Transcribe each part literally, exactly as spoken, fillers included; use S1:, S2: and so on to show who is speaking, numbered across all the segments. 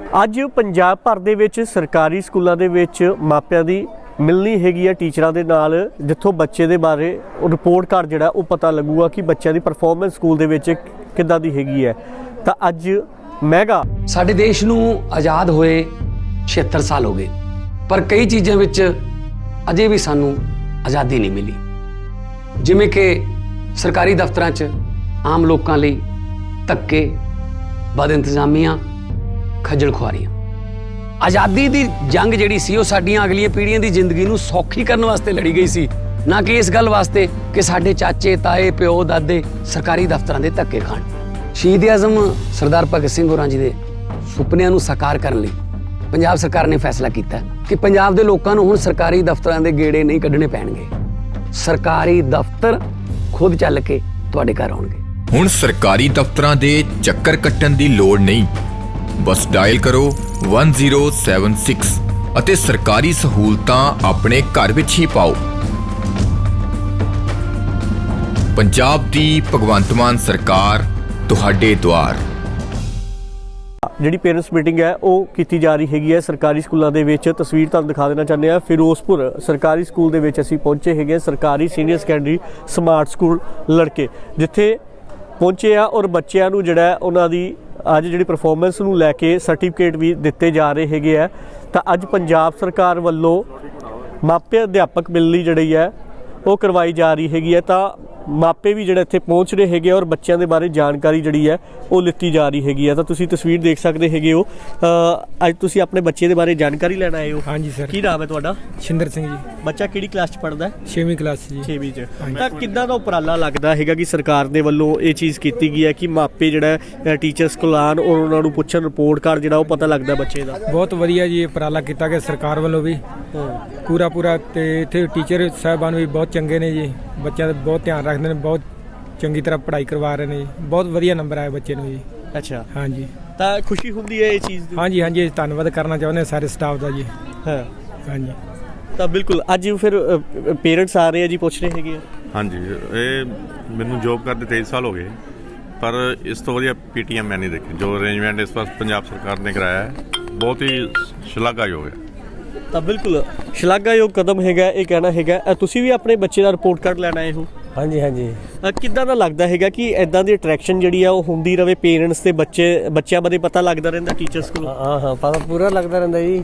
S1: ਅੱਜ ਪੰਜਾਬ ਭਰ ਦੇ ਵਿੱਚ ਸਰਕਾਰੀ ਸਕੂਲਾਂ ਦੇ ਵਿੱਚ ਮਾਪਿਆਂ ਦੀ ਮਿਲਣੀ ਹੈਗੀ ਹੈ टीचर ਦੇ ਨਾਲ, ਜਿੱਥੋਂ ਬੱਚੇ ਦੇ ਬਾਰੇ ਰਿਪੋर्ट ਕਾਰਡ ਜਿਹੜਾ ਉਹ ਪਤਾ ਲੱਗੂਗਾ ਕਿ ਬੱਚਿਆਂ ਦੀ ਪਰਫਾਰਮੈਂਸ ਸਕੂਲ ਦੇ ਵਿੱਚ ਕਿੱਦਾਂ ਦੀ ਹੈਗੀ ਹੈ। ਤਾਂ ਅੱਜ ਮੈਗਾ
S2: ਸਾਡੇ ਦੇਸ਼ ਨੂੰ ਆਜ਼ਾਦ ਹੋਏ छिहत्तर ਸਾਲ ਹੋ ਗਏ, ਪਰ ਕਈ ਚੀਜ਼ਾਂ ਵਿੱਚ ਅਜੇ ਵੀ ਸਾਨੂੰ ਆਜ਼ਾਦੀ ਨਹੀਂ ਮਿਲੀ, ਜਿਵੇਂ ਕਿ ਸਰਕਾਰੀ ਦਫ਼ਤਰਾਂ 'ਚ ਆਮ ਲੋਕਾਂ ਲਈ ਧੱਕੇ, ਬਦ ਇੰਤਜ਼ਾਮੀਆਂ, ਖੱਜਲ ਖੁਆਰੀਆਂ। ਆਜ਼ਾਦੀ ਦੀ ਜੰਗ ਜਿਹੜੀ ਸੀ ਉਹ ਸਾਡੀਆਂ ਅਗਲੀਆਂ ਪੀੜ੍ਹੀਆਂ ਦੀ ਜ਼ਿੰਦਗੀ ਨੂੰ ਸੌਖੀ ਕਰਨ ਵਾਸਤੇ ਲੜੀ ਗਈ ਸੀ, ਨਾ ਕਿ ਇਸ ਗੱਲ ਵਾਸਤੇ ਕਿ ਸਾਡੇ ਚਾਚੇ, ਤਾਏ, ਪਿਓ, ਦਾਦੇ ਸਰਕਾਰੀ ਦਫ਼ਤਰਾਂ ਦੇ ਧੱਕੇ ਖਾਣ। ਸ਼ਹੀਦ ਆਜ਼ਮ ਸਰਦਾਰ ਭਗਤ ਸਿੰਘ ਹੋਰਾਂ ਜੀ ਦੇ ਸੁਪਨਿਆਂ ਨੂੰ ਸਾਕਾਰ ਕਰਨ ਲਈ ਪੰਜਾਬ ਸਰਕਾਰ ਨੇ ਫੈਸਲਾ ਕੀਤਾ ਕਿ ਪੰਜਾਬ ਦੇ ਲੋਕਾਂ ਨੂੰ ਹੁਣ ਸਰਕਾਰੀ ਦਫ਼ਤਰਾਂ ਦੇ ਗੇੜੇ ਨਹੀਂ ਕੱਢਣੇ ਪੈਣਗੇ, ਸਰਕਾਰੀ ਦਫ਼ਤਰ ਖੁਦ ਚੱਲ ਕੇ ਤੁਹਾਡੇ ਘਰ ਆਉਣਗੇ।
S3: ਹੁਣ ਸਰਕਾਰੀ ਦਫ਼ਤਰਾਂ ਦੇ ਚੱਕਰ ਕੱਟਣ ਦੀ ਲੋੜ ਨਹੀਂ, ਬਸ ਡਾਇਲ ਕਰੋ ਇੱਕ ਜ਼ੀਰੋ ਸੱਤ ਛੇ ਅਤੇ ਸਰਕਾਰੀ ਸਹੂਲਤਾਂ ਆਪਣੇ ਘਰ ਵਿੱਚ ਹੀ ਪਾਓ। ਪੰਜਾਬ ਦੀ ਭਗਵੰਤ ਮਾਨ ਸਰਕਾਰ ਤੁਹਾਡੇ ਦੁਆਰ।
S1: ਜਿਹੜੀ ਪੇਰੈਂਟਸ ਮੀਟਿੰਗ ਹੈ ਉਹ ਕੀਤੀ ਜਾ ਰਹੀ ਹੈਗੀ ਹੈ ਸਰਕਾਰੀ ਸਕੂਲਾਂ ਦੇ ਵਿੱਚ। ਤਸਵੀਰ ਤੁਹਾਨੂੰ ਦਿਖਾ ਦੇਣਾ ਚਾਹੁੰਦੇ ਹਾਂ, ਫਿਰੋਜ਼ਪੁਰ ਸਰਕਾਰੀ ਸਕੂਲ ਦੇ ਵਿੱਚ ਅਸੀਂ ਪਹੁੰਚੇ ਹੈਗੇ, ਸਰਕਾਰੀ ਸੀਨੀਅਰ ਸੈਕੰਡਰੀ ਸਮਾਰਟ ਸਕੂਲ ਲੜਕੇ, ਜਿੱਥੇ ਪਹੁੰਚੇ ਆ ਔਰ ਬੱਚਿਆਂ ਨੂੰ ਜਿਹੜਾ ਉਹਨਾਂ ਦੀ ਅੱਜ ਜਿਹੜੀ ਪਰਫਾਰਮੈਂਸ ਨੂੰ ਲੈ ਕੇ ਸਰਟੀਫਿਕੇਟ ਵੀ ਦਿੱਤੇ ਜਾ ਰਹੇ ਹੈਗੇ ਆ। ਤਾਂ ਅੱਜ ਪੰਜਾਬ ਸਰਕਾਰ ਵੱਲੋਂ ਮਾਪੇ ਅਧਿਆਪਕ ਮਿਲਣੀ ਜਿਹੜੀ ਹੈ ਉਹ ਕਰਵਾਈ ਜਾ ਰਹੀ ਹੈਗੀ ਹੈ। ਤਾਂ ਮਾਪੇ ਵੀ ਜਿਹੜੇ ਇੱਥੇ ਪਹੁੰਚ ਰਹੇ ਹੈਗੇ ਔਰ ਬੱਚਿਆਂ ਦੇ ਬਾਰੇ ਜਾਣਕਾਰੀ ਜਿਹੜੀ ਹੈ ਉਹ ਲਿੱਤੀ ਜਾ ਰਹੀ ਹੈਗੀ ਹੈ। ਤਾਂ ਤੁਸੀਂ ਤਸਵੀਰ ਦੇਖ ਸਕਦੇ ਹੈਗੇ ਹੋ, ਅੱਜ ਤੁਸੀਂ ਆਪਣੇ ਬੱਚੇ ਦੇ ਬਾਰੇ ਜਾਣਕਾਰੀ ਲੈਣ ਆਏ ਹੋ।
S4: ਹਾਂਜੀ ਸਰ।
S1: ਕੀ ਨਾਮ ਹੈ ਤੁਹਾਡਾ?
S4: ਸ਼ਿੰਦਰ ਸਿੰਘ ਜੀ।
S1: ਬੱਚਾ ਕਿਹੜੀ ਕਲਾਸ 'ਚ ਪੜ੍ਹਦਾ ਹੈ?
S4: ਛੇਵੀਂ ਕਲਾਸ ਜੀ।
S1: ਛੇਵੀਂ 'ਚ। ਤਾਂ ਕਿੱਦਾਂ ਦਾ ਉਪਰਾਲਾ ਲੱਗਦਾ ਹੈਗਾ ਕਿ ਸਰਕਾਰ ਦੇ ਵੱਲੋਂ ਇਹ ਚੀਜ਼ ਕੀਤੀ ਗਈ ਹੈ ਕਿ ਮਾਪੇ ਜਿਹੜਾ ਟੀਚਰਸ ਕੋਲ ਆਉਣ ਔਰ ਉਹਨਾਂ ਨੂੰ ਪੁੱਛਣ, ਰਿਪੋਰਟ ਕਾਰਡ ਜਿਹੜਾ ਉਹ ਪਤਾ ਲੱਗਦਾ ਬੱਚੇ ਦਾ?
S4: ਬਹੁਤ ਵਧੀਆ ਜੀ ਉਪਰਾਲਾ ਕੀਤਾ ਗਿਆ ਸਰਕਾਰ ਵੱਲੋਂ ਵੀ ਪੂਰਾ ਪੂਰਾ, ਤੇ ਇੱਥੇ ਟੀਚਰ ਸਾਹਿਬਾਨ ਵੀ ਬਹੁਤ ਚੰਗੇ ਨੇ ਜੀ, ਬੱਚਿਆਂ ਦਾ ਬਹੁਤ ਧਿਆਨ ਰੱਖਦੇ ਨੇ, ਬਹੁਤ ਚੰਗੀ ਤਰ੍ਹਾਂ ਪੜ੍ਹਾਈ ਕਰਵਾ ਰਹੇ ਨੇ ਜੀ, ਬਹੁਤ ਵਧੀਆ ਨੰਬਰ ਆਏ ਬੱਚੇ ਨੂੰ ਜੀ।
S1: ਅੱਛਾ। ਹਾਂਜੀ। ਤਾਂ ਖੁਸ਼ੀ ਹੁੰਦੀ ਹੈ ਇਹ ਚੀਜ਼ ਦੀ? ਹਾਂਜੀ
S4: ਹਾਂਜੀ, ਧੰਨਵਾਦ ਕਰਨਾ ਚਾਹੁੰਦੇ ਸਾਰੇ ਸਟਾਫ ਦਾ ਜੀ। ਹਾਂ ਹਾਂਜੀ।
S1: ਤਾਂ ਬਿਲਕੁਲ ਅੱਜ ਫਿਰ ਪੇਰੈਂਟਸ ਆ ਰਹੇ ਆ ਜੀ, ਪੁੱਛ ਰਹੇ ਹੈਗੇ ਆ। ਹਾਂਜੀ,
S5: ਇਹ ਮੈਨੂੰ ਜੋਬ ਕਰਦੇ ਤੇਈ ਸਾਲ ਹੋ ਗਏ, ਪਰ ਇਸ ਤੋਂ ਵਧੀਆ ਪੀਟੀਐਮ ਮੈਂ ਨਹੀਂ ਦੇਖੀ। ਜੋ ਅਰੇਂਜਮੈਂਟ ਇਸ ਵਾਰ ਪੰਜਾਬ ਸਰਕਾਰ ਨੇ ਕਰਾਇਆ ਹੈ ਬਹੁਤ ਹੀ ਸ਼ਲਾਘਾਯੋਗ ਹੈ।
S1: ਤਾਂ ਬਿਲਕੁਲ ਸ਼ਲਾਘਾਯੋਗ ਕਦਮ ਹੈਗਾ ਇਹ ਕਹਿਣਾ ਹੈਗਾ। ਤੁਸੀਂ ਵੀ ਆਪਣੇ ਬੱਚੇ ਦਾ ਰਿਪੋਰਟ ਕਾਰਡ ਲੈਣ ਆਏ ਹੋ?
S4: ਹਾਂਜੀ ਹਾਂਜੀ।
S1: ਕਿੱਦਾਂ ਦਾ ਲੱਗਦਾ ਹੈਗਾ ਕਿ ਇਦਾਂ ਦੀ ਅਟਰੈਕਸ਼ਨ ਜਿਹੜੀ ਆ ਉਹ ਹੁੰਦੀ ਰਹੇ, ਪੇਰੈਂਟਸ ਤੇ ਬੱਚੇ ਬੱਚਿਆਂ ਬਾਰੇ ਪਤਾ ਲੱਗਦਾ ਰਹਿੰਦਾ ਟੀਚਰਸ ਕੋਲ?
S4: ਹਾਂ ਹਾਂ, ਪਤਾ ਪੂਰਾ ਲੱਗਦਾ ਰਹਿੰਦਾ ਜੀ।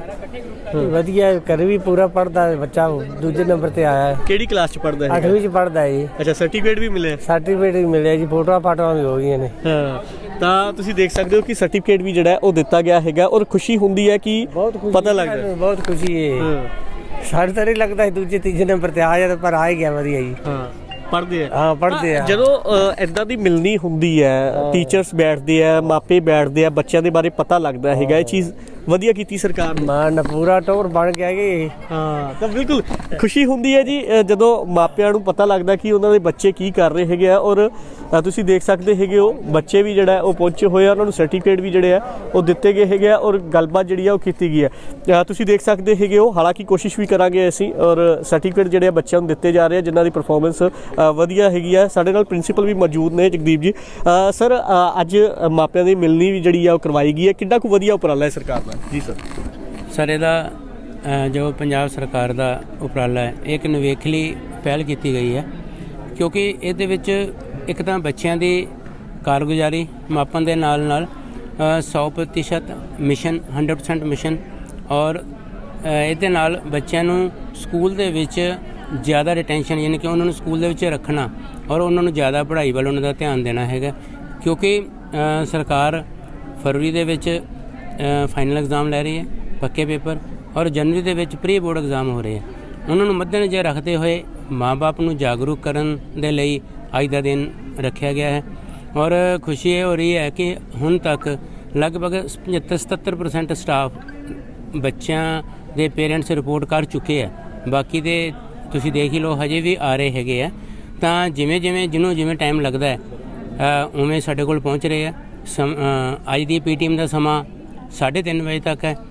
S4: ਵਧੀਆ, ਘਰ ਵੀ ਪੂਰਾ ਪੜ੍ਹਦਾ ਬੱਚਾ, ਦੂਜੇ ਨੰਬਰ ਤੇ ਆਇਆ ਹੈ।
S1: ਕਿਹੜੀ ਕਲਾਸ 'ਚ ਪੜ੍ਹਦਾ ਹੈ?
S4: ਅੱਠਵੀਂ 'ਚ ਪੜ੍ਹਦਾ ਹੈ ਜੀ।
S1: ਅੱਛਾ, ਸਰਟੀਫਿਕੇਟ ਵੀ ਮਿਲਿਆ? ਸਰਟੀਫਿਕੇਟ
S4: ਵੀ ਮਿਲਿਆ ਜੀ, ਫੋਟੋਆਂ ਫਾਟੋਆਂ ਵੀ ਹੋ ਗਈਆਂ ਨੇ।
S1: ਹਾਂ, ਤਾਂ ਤੁਸੀਂ ਦੇਖ ਸਕਦੇ ਹੋ ਕਿ ਸਰਟੀਫਿਕੇਟ ਵੀ ਜਿਹੜਾ ਉਹ ਦਿੱਤਾ ਗਿਆ ਹੈਗਾ ਔਰ ਖੁਸ਼ੀ ਹੁੰਦੀ ਹੈ ਕਿ ਪਤਾ ਲੱਗਦਾ।
S4: ਬਹੁਤ ਖੁਸ਼ੀ ਹੈ। ਸਾਡੇ ਤਾਂ ਨਹੀਂ ਲੱਗਦਾ ਦੂਜੇ ਤੀਜੇ ਨੰਬਰ ਤੇ ਆ ਜਾਂਦਾ, ਪਰ ਆ ਹੀ ਗਿਆ ਵਧੀਆ ਜੀ। ਹਾਂ, ਪੜ੍ਹਦੇ ਆ। ਹਾਂ ਪੜ੍ਹਦੇ ਆ।
S1: ਜਦੋਂ ਇਦਾਂ ਦੀ ਮਿਲਣੀ ਹੁੰਦੀ ਹੈ, ਟੀਚਰਸ ਬੈਠਦੇ ਆ, ਮਾਪੇ ਬੈਠਦੇ ਆ, ਬੱਚਿਆਂ ਦੇ ਬਾਰੇ ਪਤਾ ਲੱਗਦਾ ਹੈਗਾ, ਇਹ ਚੀਜ਼ ਵਧੀਆ ਕੀਤੀ ਸਰਕਾਰ ਨੇ।
S4: ਮਾਨ ਪੂਰਾ ਟੋਰ ਬਣ ਗਿਆ ਕਿ
S1: ਹਾਂ। ਤਾਂ ਬਿਲਕੁਲ ਖੁਸ਼ੀ ਹੁੰਦੀ ਹੈ ਜੀ ਜਦੋਂ ਮਾਪਿਆਂ ਨੂੰ ਪਤਾ ਲੱਗਦਾ ਕਿ ਉਹਨਾਂ ਦੇ ਬੱਚੇ ਕੀ ਕਰ ਰਹੇ ਹੈਗੇ ਆ। ਔਰ ਤੁਸੀਂ ਦੇਖ ਸਕਦੇ ਹੈਗੇ ਹੋ ਬੱਚੇ ਵੀ ਜਿਹੜਾ ਉਹ ਪਹੁੰਚੇ ਹੋਏ ਆ, ਉਹਨਾਂ ਨੂੰ ਸਰਟੀਫਿਕੇਟ ਵੀ ਜਿਹੜੇ ਆ ਉਹ ਦਿੱਤੇ ਗਏ ਹੈਗੇ ਆ ਔਰ ਗੱਲਬਾਤ ਜਿਹੜੀ ਆ ਉਹ ਕੀਤੀ ਗਈ ਹੈ। ਤੁਸੀਂ ਦੇਖ ਸਕਦੇ ਹੈਗੇ ਹੋ, ਹਾਲਾਂਕਿ ਕੋਸ਼ਿਸ਼ ਵੀ ਕਰਾਂਗੇ ਅਸੀਂ, ਔਰ ਸਰਟੀਫਿਕੇਟ ਜਿਹੜੇ ਆ ਬੱਚਿਆਂ ਨੂੰ ਦਿੱਤੇ ਜਾ ਰਹੇ ਆ ਜਿਨ੍ਹਾਂ ਦੀ ਪਰਫਾਰਮੈਂਸ ਵਧੀਆ ਹੈਗੀ ਆ। ਸਾਡੇ ਨਾਲ ਪ੍ਰਿੰਸੀਪਲ ਵੀ ਮੌਜੂਦ ਨੇ, ਜਗਦੀਪ ਜੀ। ਸਰ, ਅੱਜ ਮਾਪਿਆਂ ਦੀ ਮਿਲਣੀ ਵੀ ਜਿਹੜੀ ਆ ਉਹ ਕਰਵਾਈ ਗਈ ਹੈ, ਕਿੰਨਾ ਕੁ ਵਧੀਆ ਉਪਰਾਲਾ ਹੈ ਸਰਕਾਰ ਦਾ? ਜੀ ਸਰ।
S6: ਸਰ, ਇਹਦਾ ਜੋ ਪੰਜਾਬ ਸਰਕਾਰ ਦਾ ਉਪਰਾਲਾ ਹੈ, ਇਹ ਇੱਕ ਨਿਵੇਕਲੀ ਪਹਿਲ ਕੀਤੀ ਗਈ ਹੈ, ਕਿਉਂਕਿ ਇਹਦੇ ਵਿੱਚ ਇੱਕ ਤਾਂ ਬੱਚਿਆਂ ਦੀ ਕਾਰਗੁਜ਼ਾਰੀ ਮਾਪਣ ਦੇ ਨਾਲ ਨਾਲ ਸੌ ਪ੍ਰਤੀਸ਼ਤ ਮਿਸ਼ਨ, ਹੰਡਰਡ ਪਰਸੈਂਟ ਮਿਸ਼ਨ, ਔਰ ਇਹਦੇ ਨਾਲ ਬੱਚਿਆਂ ਨੂੰ ਸਕੂਲ ਦੇ ਵਿੱਚ ਜ਼ਿਆਦਾ ਰਿਟੈਂਸ਼ਨ, ਯਾਨੀ ਕਿ ਉਹਨਾਂ ਨੂੰ ਸਕੂਲ ਦੇ ਵਿੱਚ ਰੱਖਣਾ ਔਰ ਉਹਨਾਂ ਨੂੰ ਜ਼ਿਆਦਾ ਪੜ੍ਹਾਈ ਵੱਲ ਉਹਨਾਂ ਦਾ ਧਿਆਨ ਦੇਣਾ ਹੈਗਾ। ਕਿਉਂਕਿ ਸਰਕਾਰ ਫਰਵਰੀ ਦੇ ਵਿੱਚ ਫਾਈਨਲ ਐਗਜ਼ਾਮ ਲੈ ਰਹੀ ਹੈ, ਪੱਕੇ ਪੇਪਰ, ਔਰ ਜਨਵਰੀ ਦੇ ਵਿੱਚ ਪ੍ਰੀ ਬੋਰਡ ਐਗਜ਼ਾਮ ਹੋ ਰਹੇ ਆ। ਉਹਨਾਂ ਨੂੰ ਮੱਦੇਨਜ਼ਰ ਰੱਖਦੇ ਹੋਏ ਮਾਂ-ਬਾਪ ਨੂੰ ਜਾਗਰੂਕ ਕਰਨ ਦੇ ਲਈ ਅੱਜ ਦਾ ਦਿਨ ਰੱਖਿਆ ਗਿਆ ਹੈ। ਔਰ ਖੁਸ਼ੀ ਇਹ ਹੋ ਰਹੀ ਹੈ ਕਿ ਹੁਣ ਤੱਕ ਲਗਭਗ ਪਝੱਤਰ ਸਤੱਤਰ ਪਰਸੈਂਟ ਸਟਾਫ ਬੱਚਿਆਂ ਦੇ ਪੇਰੈਂਟਸ ਰਿਪੋਰਟ ਕਰ ਚੁੱਕੇ ਆ। ਬਾਕੀ ਦੇ ਤੁਸੀਂ ਦੇਖ ਹੀ ਲਓ, ਹਜੇ ਵੀ ਆ ਰਹੇ ਹੈਗੇ ਆ। ਤਾਂ ਜਿਵੇਂ ਜਿਵੇਂ ਜਿਹਨੂੰ ਜਿਵੇਂ ਟਾਈਮ ਲੱਗਦਾ ਹੈ ਉਵੇਂ ਸਾਡੇ ਕੋਲ ਪਹੁੰਚ ਰਹੇ ਆ। ਸਮ ਅੱਜ ਦੀ ਪੀ ਟੀਮ ਦਾ ਸਮਾਂ ਸਾਢੇ ਤਿੰਨ ਵਜੇ ਤੱਕ ਹੈ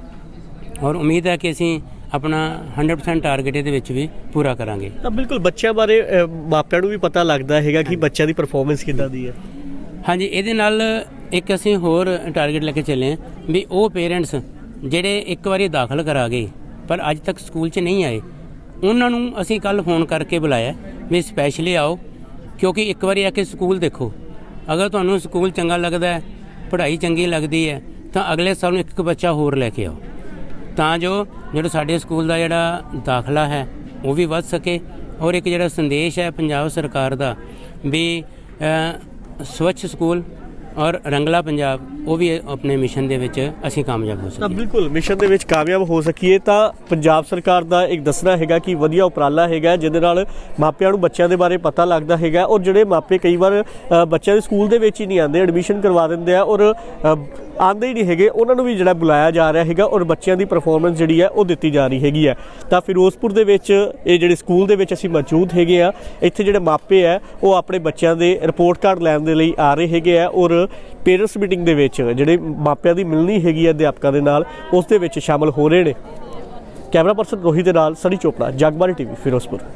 S6: ਔਰ ਉਮੀਦ ਹੈ ਕਿ ਅਸੀਂ ਆਪਣਾ ਹੰਡਰਡ ਪਰਸੈਂਟ ਟਾਰਗੇਟ ਇਹਦੇ ਵਿੱਚ ਵੀ ਪੂਰਾ ਕਰਾਂਗੇ।
S1: ਤਾਂ ਬਿਲਕੁਲ ਬੱਚਿਆਂ ਬਾਰੇ ਮਾਪਿਆਂ ਨੂੰ ਵੀ ਪਤਾ ਲੱਗਦਾ ਹੈਗਾ ਕਿ ਬੱਚਿਆਂ ਦੀ ਪਰਫਾਰਮੈਂਸ ਕਿੱਦਾਂ ਦੀ ਹੈ।
S6: ਹਾਂਜੀ, ਇਹਦੇ ਨਾਲ ਇੱਕ ਅਸੀਂ ਹੋਰ ਟਾਰਗੇਟ ਲੈ ਕੇ ਚੱਲੇ ਹਾਂ ਵੀ ਉਹ ਪੇਰੈਂਟਸ ਜਿਹੜੇ ਇੱਕ ਵਾਰੀ ਦਾਖਲ ਕਰਾ ਗਏ ਪਰ ਅੱਜ ਤੱਕ ਸਕੂਲ 'ਚ ਨਹੀਂ ਆਏ, ਉਹਨਾਂ ਨੂੰ ਅਸੀਂ ਕੱਲ ਫੋਨ ਕਰਕੇ ਬੁਲਾਇਆ ਵੀ ਸਪੈਸ਼ਲੀ ਆਓ, ਕਿਉਂਕਿ ਇੱਕ ਵਾਰੀ ਆ ਕੇ ਸਕੂਲ ਦੇਖੋ। ਅਗਰ ਤੁਹਾਨੂੰ ਸਕੂਲ ਚੰਗਾ ਲੱਗਦਾ ਹੈ, ਪੜ੍ਹਾਈ ਚੰਗੀ ਲੱਗਦੀ ਹੈ, ਤਾਂ ਅਗਲੇ ਸਾਲ ਨੂੰ ਇੱਕ ਇੱਕ ਬੱਚਾ ਹੋਰ ਲੈ ਕੇ ਆਓ, ਤਾਂ ਜੋ ਜਿਹੜਾ ਸਾਡੇ ਸਕੂਲ ਦਾ ਜਿਹੜਾ ਦਾਖਲਾ ਹੈ ਉਹ ਵੀ ਵੱਧ ਸਕੇ। ਔਰ ਇੱਕ ਜਿਹੜਾ ਸੰਦੇਸ਼ ਹੈ ਪੰਜਾਬ ਸਰਕਾਰ ਦਾ ਵੀ ਅ, ਸਵੱਛ ਸਕੂਲ ਔਰ ਰੰਗਲਾ ਪੰਜਾਬ, ਉਹ ਵੀ ਆਪਣੇ ਮਿਸ਼ਨ ਦੇ ਵਿੱਚ ਅਸੀਂ ਕਾਮਯਾਬ ਹੋ
S1: ਤਾਂ
S6: ਸਕੀਏ।
S1: ਬਿਲਕੁਲ ਮਿਸ਼ਨ ਦੇ ਵਿੱਚ ਕਾਮਯਾਬ ਹੋ ਸਕੀਏ ਤਾਂ ਪੰਜਾਬ ਸਰਕਾਰ ਦਾ ਇੱਕ ਦੱਸਣਾ ਹੈਗਾ ਕਿ ਵਧੀਆ ਉਪਰਾਲਾ ਹੈਗਾ, ਜਿਹਦੇ ਨਾਲ ਮਾਪਿਆਂ ਨੂੰ ਬੱਚਿਆਂ ਦੇ ਬਾਰੇ ਪਤਾ ਲੱਗਦਾ ਹੈਗਾ। ਔਰ ਜਿਹੜੇ ਮਾਪੇ ਕਈ ਵਾਰ ਅ, ਬੱਚਿਆਂ ਦੇ ਸਕੂਲ ਦੇ ਵਿੱਚ ਹੀ ਨਹੀਂ ਆਉਂਦੇ, ਐਡਮਿਸ਼ਨ ਕਰਵਾ ਦਿੰਦੇ ਆ ਔਰ ਅ, ਆਉਂਦੇ ਹੀ ਨਹੀਂ ਹੈਗੇ, ਉਹਨਾਂ ਨੂੰ ਵੀ ਜਿਹੜਾ ਬੁਲਾਇਆ ਜਾ ਰਿਹਾ ਹੈਗਾ ਔਰ ਬੱਚਿਆਂ ਦੀ ਪਰਫਾਰਮੈਂਸ ਜਿਹੜੀ ਹੈ ਉਹ ਦਿੱਤੀ ਜਾ ਰਹੀ ਹੈਗੀ ਹੈ। ਤਾਂ ਫਿਰੋਜ਼ਪੁਰ ਦੇ ਵਿੱਚ ਇਹ ਜਿਹੜੇ ਸਕੂਲ ਦੇ ਵਿੱਚ ਅਸੀਂ ਮੌਜੂਦ ਹੈਗੇ ਆ, ਇੱਥੇ ਜਿਹੜੇ ਮਾਪੇ ਆ ਉਹ ਆਪਣੇ ਬੱਚਿਆਂ ਦੇ ਰਿਪੋਰਟ ਕਾਰਡ ਲੈਣ ਦੇ ਲਈ ਆ ਰਹੇ ਹੈਗੇ ਆ ਔਰ ਪੇਰੈਂਟਸ ਮੀਟਿੰਗ ਦੇ ਵਿੱਚ ਜਿਹੜੇ ਮਾਪਿਆਂ ਦੀ ਮਿਲਣੀ ਹੈਗੀ ਹੈ ਅਧਿਆਪਕਾਂ ਦੇ ਨਾਲ, ਉਸ ਦੇ ਵਿੱਚ ਸ਼ਾਮਲ ਹੋ ਰਹੇ ਨੇ। ਕੈਮਰਾ ਪਰਸਨ ਰੋਹਿਤ ਦੇ ਨਾਲ ਸਨੀ ਚੋਪੜਾ, ਜਗਬਾਣੀ ਟੀਵੀ ਫਿਰੋਜ਼ਪੁਰ।